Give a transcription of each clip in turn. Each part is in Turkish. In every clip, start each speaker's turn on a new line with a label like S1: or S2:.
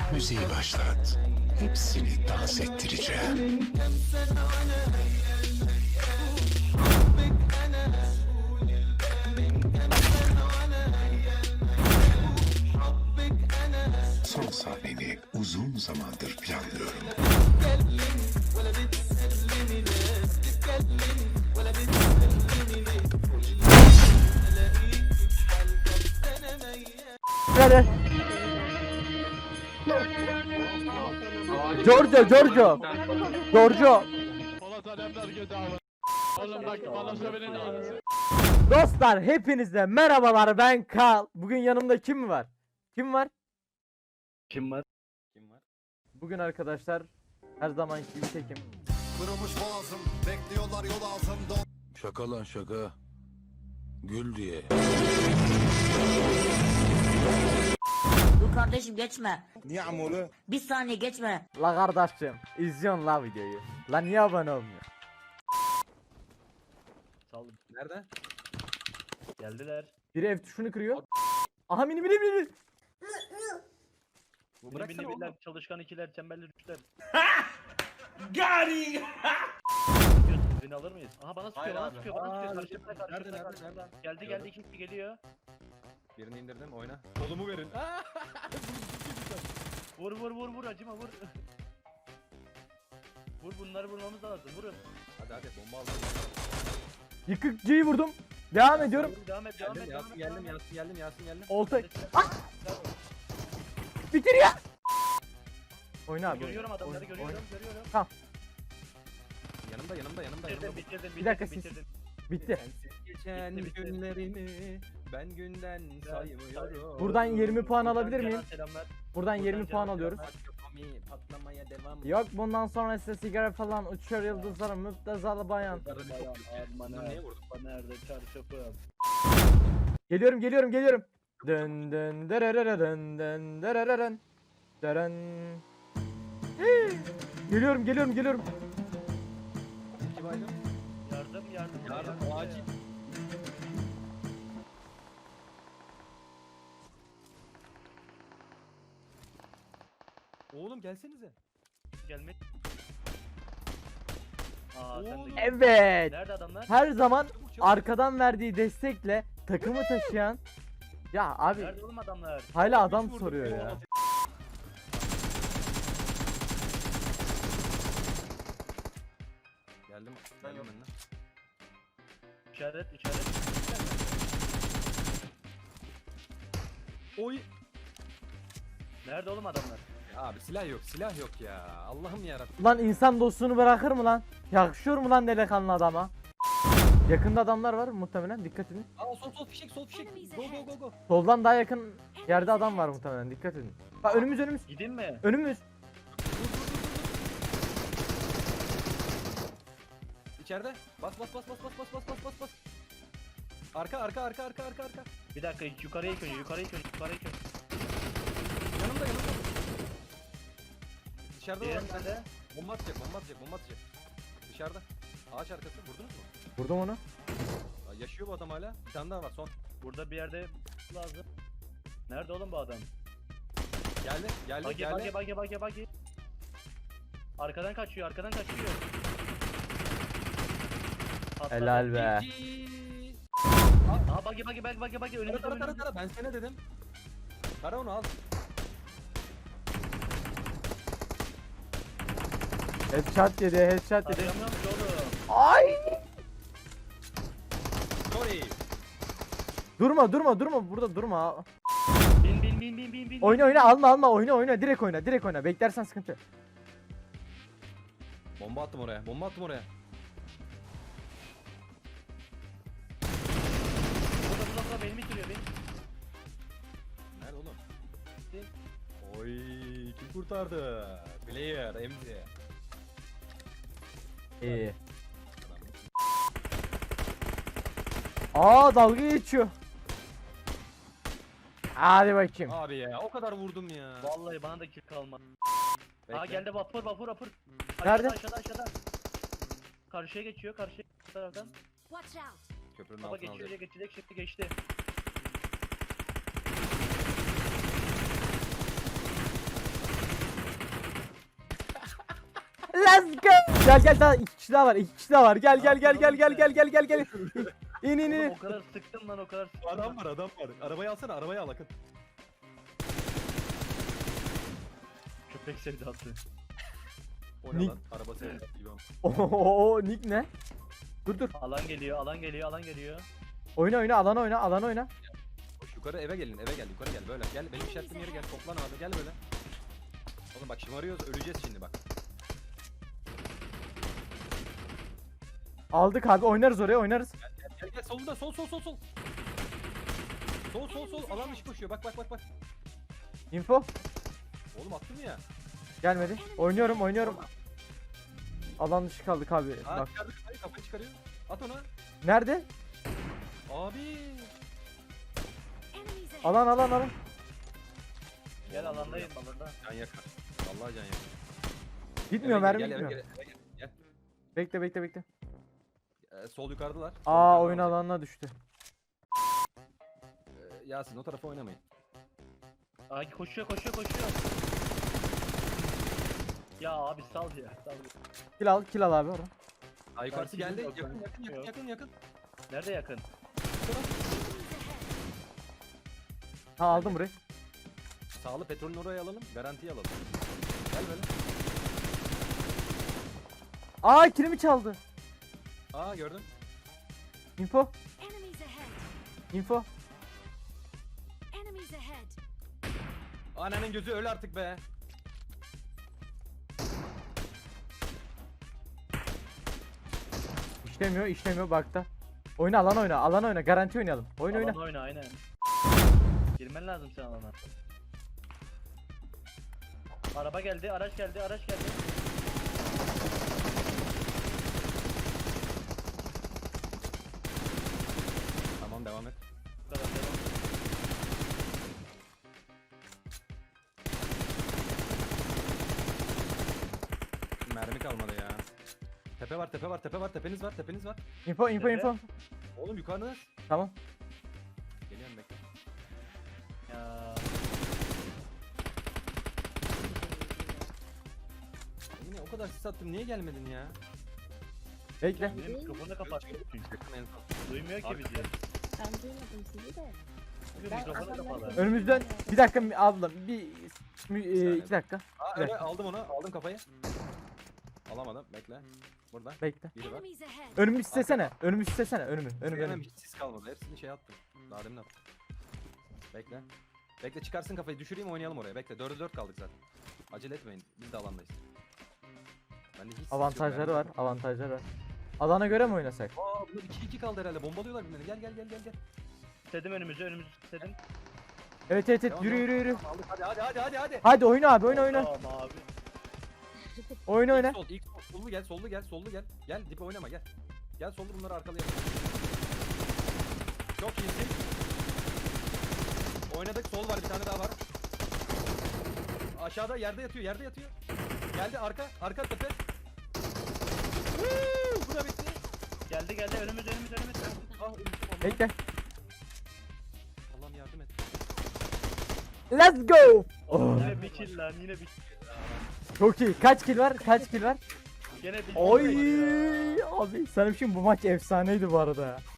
S1: Müziği başlat. Hepsini dans ettireceğim. Son sahneni uzun zamandır planlıyorum.
S2: Hadi. Giorgio. Dostlar hepinize merhabalar, ben Kal. Bugün yanımda kim var? Kim var?
S3: Kim var?
S2: Bugün arkadaşlar her zamanki gibi tekim.
S4: Kırılmış boğazım, bekliyorlar yol altında.
S5: Şaka lan şaka. Gül diye.
S6: Dur kardeşim geçme.
S4: Niye amolu?
S6: Bir saniye geçme.
S2: La kardeşim izliyorsun la videoyu. La niye abone olmuyor?
S3: Saldım. Nerede? Geldiler.
S2: Biri ev tuşunu kırıyor. Aha mini.
S3: Bu bıraksana oğlum. Çalışkan ikiler, çemberli üçler.
S7: Gari.
S3: Beni alır mıyız? Aha bana sıkıyor, bana sıkıyor. Karşımda. Geldi iki kişi geliyor.
S8: Birini indirdim, oyna. Kolumu verin.
S3: Vur acıma vur. Vur, bunları vurmamız lazım, vurun.
S8: Hadi bomba aldım.
S2: Yıkıkçıyı vurdum. Devam ediyorum.
S3: Vur, devam et.
S8: Yasin geldim.
S2: Olta. Bitir ya. Oyna abi.
S3: Görüyorum adamları,
S2: Oyna.
S3: görüyorum.
S2: Tamam.
S8: Yanımda.
S3: Bitirdim.
S2: Bir dakika, siz- Bitti.
S8: Geçen
S3: Bitti.
S8: günlerimi ben günden saymıyorum.
S2: Buradan 20 puan alabilir miyim?
S3: Selamlar.
S2: Buradan 20
S3: Buradan
S2: puan
S3: canım
S2: alıyoruz.
S8: Patlamaya devam.
S2: Yok bundan sonra size sigara falan uçuyor yıldızlar müptezalı bayan.
S3: Bana
S8: Neye vurdun?
S3: nerede çarşafım?
S2: Geliyorum. Dön derereren. Deren. Geliyorum.
S8: İki baydım.
S3: Yardım.
S8: Acil. Oğlum gelsenize.
S3: Gelmek. Aa, sen de
S8: Oğlum.
S3: gel.
S2: Evet.
S3: Nerede adamlar?
S2: Her zaman
S8: Çabuk, çabuk.
S2: arkadan verdiği destekle takımı taşıyan. Ya abi
S3: Nerede oğlum adamlar?
S2: hala adam
S8: Üç vurdum,
S2: soruyor ya.
S8: eyvallah. Geldim önüne.
S3: İşaret.
S8: Oy.
S3: Nerede oğlum adamlar?
S8: Ya abi silah yok ya. Allah'ım yarabbim.
S2: Lan insan dostunu bırakır mı lan? Yakışıyor mu lan delikanlı adama? Yakında adamlar var muhtemelen, dikkat edin.
S8: Aa sol fişek. Go.
S2: Soldan daha yakın yerde adam var muhtemelen, dikkat edin. Bak önümüz.
S3: Gidin mi?
S2: Önümüz.
S8: İçeride. Bas. Arka.
S3: Bir dakika, yukarıya ilk önce.
S8: Yanımda. Dışarıda var
S3: Diğer
S8: bir tane.
S3: nerede?
S8: Bomba atacak. Dışarıda. Ağaç arkası. Vurdunuz mu?
S2: Vurdum onu.
S8: Aa, yaşıyor bu adam hala. Bir tane daha var son.
S3: Burada bir yerde lazım. Nerede oğlum bu adam?
S8: Geldi.
S3: Bagi. Arkadan kaçıyor. Patladı.
S2: Helal be.
S3: Aha bagi önümüzde.
S8: Tara. Ben sana dedim. Tara onu al.
S2: Headshot yedi.
S3: Arayamıyorum ki oğlum.
S2: Ay!
S8: Sorry.
S2: Durma burada durma.
S3: Bin.
S2: Oyna alma oyna direkt oyna beklersen sıkıntı.
S8: Bomba attım oraya.
S3: Burada beni bitiriyor.
S8: Nerede oğlum? Oy kim kurtardı? Player MZ.
S2: İyi. Aa dalga geçiyor. Hadi bakayım.
S8: Abi ya o kadar vurdum ya.
S3: Vallahi bana da kill kalmadı.
S8: Bekle.
S3: Aa geldi vapur.
S2: Nerede?
S3: Aşağıda. Karşıya geçiyor taraftan.
S6: Watch out.
S8: Köprünün
S3: Baba
S8: altına alacak.
S3: geçecek şimdi geçti.
S2: Let's go. Gel daha 2 kişi daha var. 2 kişi daha var. Gel. İn.
S3: Oğlum o kadar sıktım lan o kadar sıktım.
S8: Adam var. Arabayı alsana, arabayı al Akın.
S3: Köpek sevdası.
S8: O ne
S2: Nick.
S8: lan? Araba sevdi gibi ama.
S2: Oo Nick ne? Dur.
S3: Alan geliyor.
S2: Oyna alan oyna.
S8: Koş yukarı eve gelin, eve gel, yukarı gel böyle. Gel benim işaretim yere gel, toplan abi, gel böyle. Oğlum bak şımarıyoruz, öleceğiz şimdi bak.
S2: Aldık abi, oynarız oraya, oynarız.
S8: Gel solunda, sol. Sol, alan dışı koşuyor, bak.
S2: Info
S8: Oğlum attım ya.
S2: gelmedi. Oynuyorum. Alan dışı kaldık abi.
S8: Aa
S2: Bak.
S8: çıkardı kafayı çıkarıyor. At ona.
S2: Nerede?
S8: Abi.
S2: Alan.
S3: Gel alandayım alanda.
S8: Can yakar. Vallahi can yakar.
S2: Gitmiyor,
S8: Eve
S2: mermi
S8: gel, eve
S2: gitmiyor.
S8: gel.
S2: Bekle.
S8: Sol yukarıdalar.
S2: Aa, oyun alanına düştü.
S8: Yasin o tarafa oynamayın.
S3: Ay koşuyor. Ya abi sal ya.
S2: Kill al abi oradan.
S8: Aa yukarısı
S3: Yasin
S8: geldi.
S3: yok,
S8: Yakın.
S3: Nerede yakın?
S2: Ha, aldım burayı.
S8: Sağlı petrolün oraya alalım. Garantiye alalım. Gel böyle.
S2: Aa, kilimi çaldı.
S8: Aa gördüm.
S2: Info.
S6: Enemies ahead.
S2: Info.
S6: Enemies ahead.
S8: Ananın gözü öl artık be.
S2: İşlemiyor bak da. Alan oyna. Garanti oynayalım. Oyna.
S3: Alan oyna aynen. Girmen lazım sen alana. Araba geldi, araç geldi.
S8: Tamam devam et.
S3: Bu kadar devam.
S8: Mermi kalmadı ya. Tepe var. Tepeniz var.
S2: Info.
S8: Oğlum yukarıda.
S2: Tamam.
S8: Geliyorum bekle.
S3: Ya
S8: Emine o kadar sis attım niye gelmedin ya?
S2: Bekle.
S3: benim mikrofonu da kapattım çünkü.
S8: Yakın en son.
S3: Duymuyor ki bizi.
S6: Ben duymadım sizi de.
S3: Çünkü mikrofonu kapalı.
S2: Önümüzden bir dakika ablam.
S8: saniye.
S2: 2 dakika.
S8: Aa
S2: Bir
S8: evet
S2: dakika.
S8: aldım onu. Aldım kafayı. Alamadım. Bekle. Burada.
S2: Bekle.
S8: Biri var.
S6: Enemies ahead.
S2: Önümü istesene. Önümü.
S8: Benim hiç sis kalmadı. Hepsini şey attım. Daha demin attım. Bekle. Bekle çıkarsın kafayı. Düşüreyim oynayalım oraya. Bekle. 4'e 4 kaldık zaten. Acele etmeyin. Biz de alandayız. Bende hiç sis yok
S2: Avantajları
S8: yani.
S2: var. Alana göre mi oynasak?
S8: Aa bunlar 2-2 kaldı herhalde. Bombalıyorlar birbirlerini. Gel.
S3: İstedim önümüzü istedim.
S2: Evet.
S8: Devam,
S2: Yürü.
S8: Aldık. Hadi.
S2: Hadi oyna abi, oyna.
S3: Tamam abi.
S2: Oyna.
S8: İlk sollu gel. Gel dip oynama gel. Gel sollu bunları arkalayalım. Çok iyisin. Oynadık sol var bir tane daha var. Aşağıda yerde yatıyor. Geldi arka tepe. Bu da bitti.
S3: Geldi önümüz.
S8: Ah ölmüşüm Allah'ım.
S2: Bekle.
S8: Allah'ım yardım et.
S2: Let's go. Oh,
S3: Yine bir kill lan yine bir.
S2: çok iyi. Kaç kill var?
S3: Gene bir.
S2: Oy abi, sana bir şey mi? Bu maç efsaneydi bu arada ya.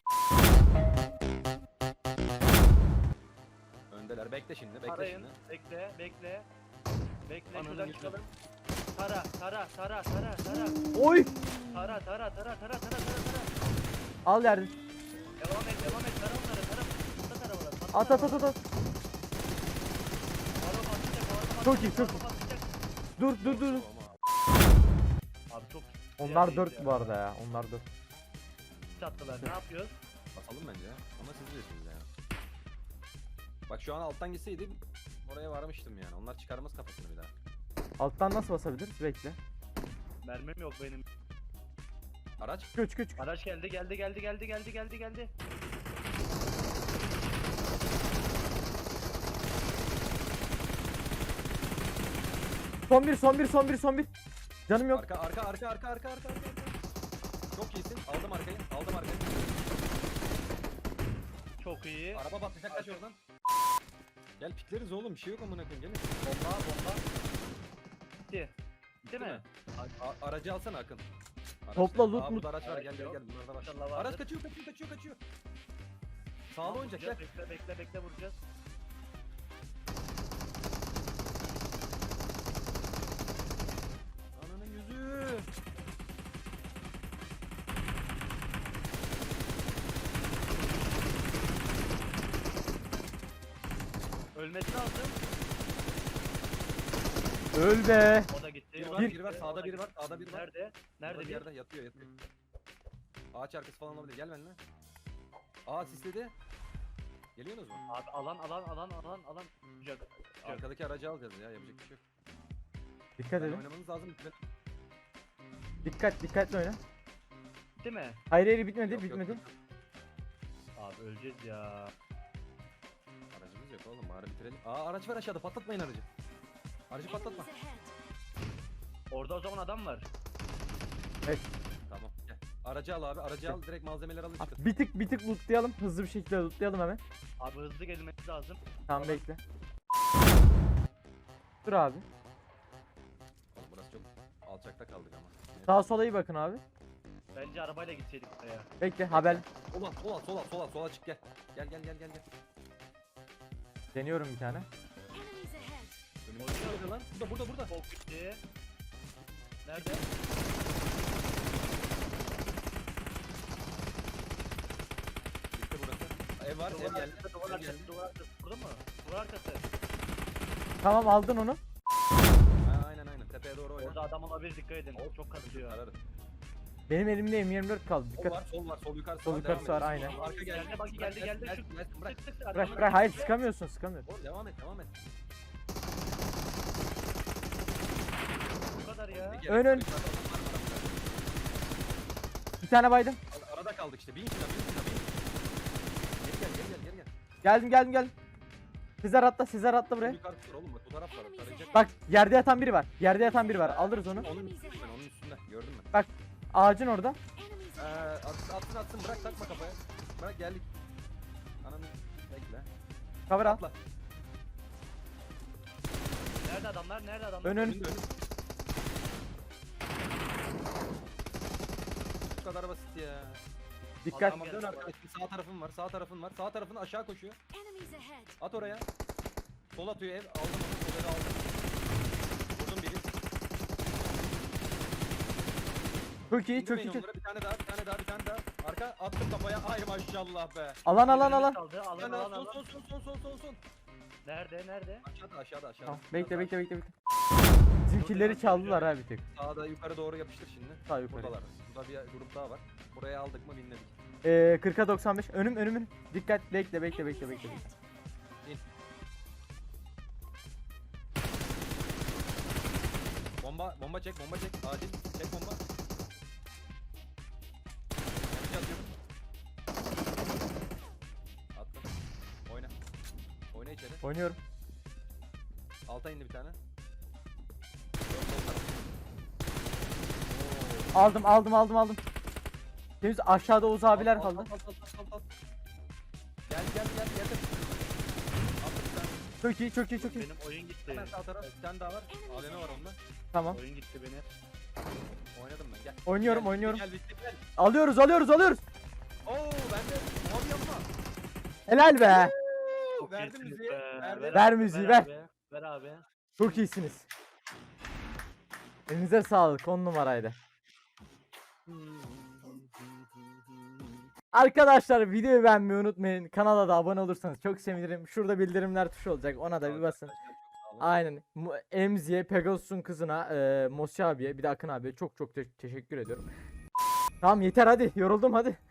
S8: Öndeler bekle şimdi
S3: Tarayın. Bekle.
S8: Ananı
S3: Şuradan
S8: yürü.
S3: çıkalım. Tara.
S2: Oy.
S3: Tara.
S2: Al yerden.
S3: Devam et. Tara onları. Tara. Tara onları.
S2: At.
S3: Araba atacak.
S2: Çok iyi. Dur.
S3: Abi çok.
S2: Onlar
S3: yerdeyiz
S2: 4
S3: ya.
S2: bu arada ya. Onlar 4.
S3: Çattılar. Ne yapıyoruz?
S8: Basalım bence ama siz bilirsiniz yani. Bak şu an alttan gitseydim oraya varmıştım yani. Onlar çıkarmaz kafasını bir daha.
S2: Alttan nasıl basabiliriz? Bekle.
S3: Mermim yok benim.
S8: Araç.
S2: Küç.
S3: Araç geldi.
S2: Son bir. Canım yok.
S8: Arka. Çok iyisin. Aldım arkayı.
S3: Çok iyi.
S8: Araba batacak kaç oradan. Gel pikleriz oğlum bir şey yok amına koyayım gelin.
S3: Bomba. Bitti. Değil mi?
S8: Aracı alsana Akın. Araç
S2: Topla,
S8: nerede?
S2: loot,
S8: Aa, burada
S2: loot.
S8: araç var,
S3: Araç
S8: gel gel
S3: yok.
S8: gel, bunlarda var.
S3: İnşallah vardır.
S8: Araç kaçıyor. Sağlı oynayacak, gel.
S3: Bekle vuracağız.
S8: Ananın yüzü.
S3: Ölmesi lazım.
S2: Öl be.
S3: O da gitti.
S8: Biri
S3: o
S8: var,
S3: da
S8: biri
S3: gitti,
S8: var,
S3: o
S8: sağda
S3: da
S8: biri var,
S3: gitti.
S8: sağda biri var.
S3: Nerede?
S8: Burada
S3: Nerede
S8: bir
S3: bir?
S8: yerde yatıyor. Ağaç arkası falan olabilir, gel benimle. Aa sisledi. Geliyorsunuz mu?
S3: Abi alan. Cak.
S8: Arkadaki aracı alacağız ya, yapacak bir şey yok.
S2: Dikkat
S8: Ben
S2: edin.
S8: oynamanız lazım.
S2: Dikkatli oyna.
S3: Değil mi?
S2: Hayır bitmedi
S8: Yok, yok,
S2: bitmedi.
S8: yok.
S3: Abi öleceğiz ya.
S8: Aracımız yok oğlum, bari bitirelim. Aa araç var aşağıda, patlatmayın aracı. Aracı patlatma.
S6: Enemies ahead.
S3: Orada o zaman adam var.
S8: Tamam gel. Aracı al abi, aracı al, direkt malzemeleri alın çıkın.
S2: Bir tık lootlayalım. Hızlı bir şekilde lootlayalım hemen.
S3: Abi hızlı gelmesi lazım.
S2: Tamam bekle. Dur abi.
S8: Oğlum burası çok alçakta kaldık ama.
S2: Sağa sola iyi bakın abi.
S3: Bence arabayla gitseydik buraya.
S2: Bekle haber.
S8: Sola çık gel. Gel.
S2: Deniyorum bir tane.
S6: Enemies ahead.
S8: Önümüzde lan. Burada.
S3: Çok gitti. Nerede?
S8: Bitti burası. Ev var, ev
S3: Duvar
S8: geldi.
S3: arkası, duvar
S8: Ev
S3: arkası,
S8: geldi.
S3: duvar arkası. Burada mı? Duvar arkası.
S2: Tamam aldın onu.
S8: Ha, aynen. Tepeye doğru oyna.
S3: Orada adam olabilir, dikkat edin. Çok kasıyor.
S8: Ararız.
S2: Benim elimde M24 kaldı.
S8: Sol
S2: Dikkat.
S8: var, sol yukarısı
S2: Sol
S8: var.
S2: yukarısı
S8: devam
S2: var,
S8: et.
S2: aynen.
S8: Arka geldi.
S3: Geldi, bak geldi.
S8: Gelsin, bırak.
S3: Sık.
S2: Bırak. Hayır sıkamıyorsun.
S8: Oğlum devam et.
S3: Bu kadar ya.
S8: Bir
S2: Ön.
S8: gerek yok.
S2: Bir tane baydım.
S8: Arada kaldık işte. Bin şuna. Geri gel.
S2: Geldim. Sizler atla buraya.
S8: Yukarısı var oğlum, bak bu taraf var. Tarayacak.
S2: Bak yerde yatan biri var. Alırız onu.
S8: Onun üstünde. Gördün mü?
S2: Ağacın orada.
S6: Enemies ahead.
S8: Atsın. Bırak, takma kafaya. Bırak, geldik. Ananı bekle.
S2: Cover al.
S8: Atla.
S3: Nerede adamlar?
S2: Ön.
S8: Önünde. Bu kadar basit ya.
S2: Dikkat.
S8: Tamam dön arkadaşım, sağ tarafın var. Sağ tarafın aşağı koşuyor.
S6: Enemies ahead.
S8: At oraya. Sol atıyor ev. Aldım onu. Sol evi aldım. Vurdum biri.
S2: Çok iyi.
S8: İndirmeyin onları. Bir tane daha. Arka attım kafaya. Ay maşallah be.
S2: Alan.
S3: Alan.
S8: Son.
S3: Nerede?
S8: Aşağıda.
S2: Tamam. Bekle. Bizimkileri çaldılar ha bir tek.
S8: Sağda yukarı doğru yapıştır şimdi.
S2: Sağ yukarı.
S8: Buradalar. Burada bir grup daha var. Buraya aldık mı binledik.
S2: 40'a 95. Önüm. Dikkat. Bekle.
S8: Bomba çek. Acil çek bomba. Yanıcı atıyorum. Attım. Oyna içeri.
S2: Oynuyorum.
S8: Alta indi bir tane.
S2: Aldım. Temiz aşağıda Oğuz abiler kaldı.
S8: Al. Gel. Attım bir tane.
S2: Çok iyi.
S3: Benim oyun gitti.
S8: Hemen sağ taraf bir tane daha var. AVM var onda.
S2: Tamam.
S3: Oyun gitti benim.
S8: Oynadım ben, gel.
S2: Oynuyorum.
S8: Gel bitti.
S2: Alıyoruz.
S8: Oo bende mavi yapma.
S2: Helal be.
S3: Çok
S8: Verdim
S3: iyisiniz
S8: müziği.
S3: be.
S2: Ver müziği, ver.
S3: Ver abi.
S2: Çok iyisiniz. Elinize sağlık. 10 numaraydı. Arkadaşlar videoyu beğenmeyi unutmayın. Kanala da abone olursanız çok sevinirim. Şurada bildirimler tuşu olacak. Ona da bir basın. Aynen. Emzi'ye, Pegasus'un kızına, Mosi abiye, bir de Akın abiye çok teşekkür ediyorum. Tamam yeter hadi. Yoruldum hadi.